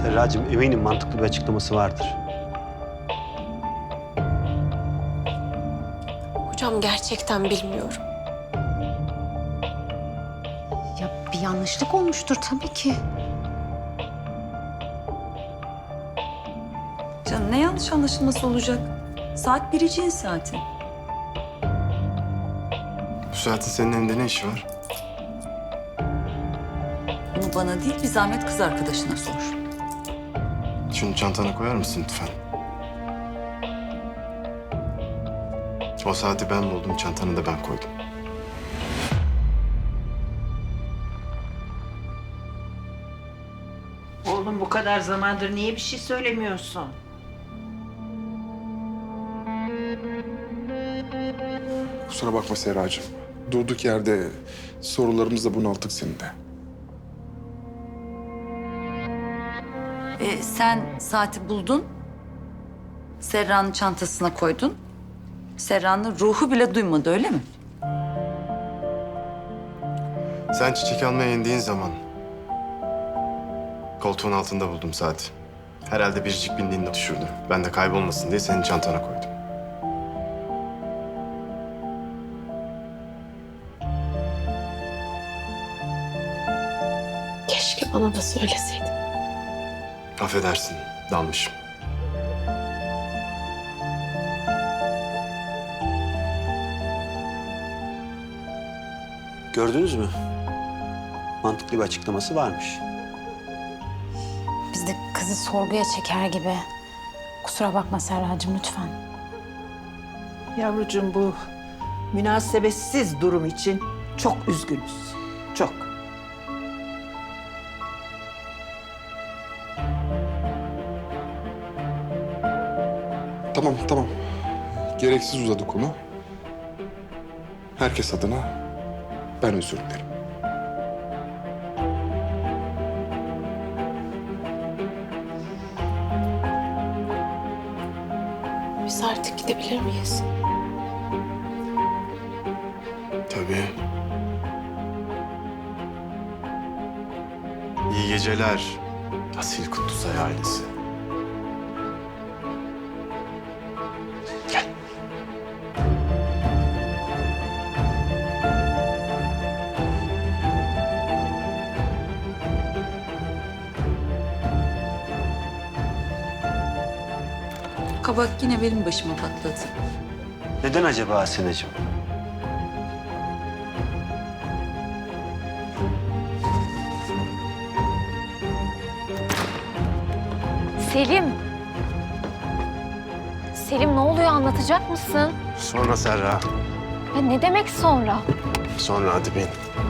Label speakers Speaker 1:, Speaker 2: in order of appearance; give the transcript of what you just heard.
Speaker 1: Serracığım, eminim mantıklı bir açıklaması vardır.
Speaker 2: Hocam gerçekten bilmiyorum.
Speaker 3: Ya bir yanlışlık olmuştur tabii ki.
Speaker 4: Canım ne yanlış anlaşılması olacak? Saat biriciğin saati.
Speaker 5: Bu saatte senin evinde ne işi var?
Speaker 4: Bunu bana değil bir zahmet kız arkadaşına sor.
Speaker 5: Şunu çantana koyar mısın lütfen? O saati ben buldum, çantanı da ben koydum.
Speaker 6: Oğlum bu kadar zamandır niye bir şey söylemiyorsun?
Speaker 7: Kusura bakma Serracığım. Durduk yerde sorularımızla bunalttık seni de.
Speaker 4: Sen saati buldun. Serra'nın çantasına koydun. Serra'nın ruhu bile duymadı öyle mi?
Speaker 5: Sen çiçek almaya indiğin zaman koltuğun altında buldum saati. Herhalde biricik bindiğinde düşürdü. Ben de kaybolmasın diye senin çantana koydum.
Speaker 2: Keşke bana da söyleseydin.
Speaker 5: Affedersin, dalmışım.
Speaker 1: Gördünüz mü? Mantıklı bir açıklaması varmış.
Speaker 3: Biz de kızı sorguya çeker gibi. Kusura bakma Serracığım lütfen.
Speaker 6: Yavrucuğum bu münasebetsiz durum için çok üzgünüz. Çok.
Speaker 7: Tamam, tamam. Gereksiz uzadı konu. Herkes adına ben özür dilerim.
Speaker 2: Biz artık gidebilir miyiz?
Speaker 5: Tabii. İyi geceler Asil Kutlusay ailesi. Gel.
Speaker 4: Kabak yine benim başıma patladı.
Speaker 1: Neden acaba Asenacığım?
Speaker 8: Selim. Selim ne oluyor anlatacak mısın?
Speaker 5: Sonra Serra.
Speaker 8: Ya ne demek sonra?
Speaker 5: Sonra hadi bin.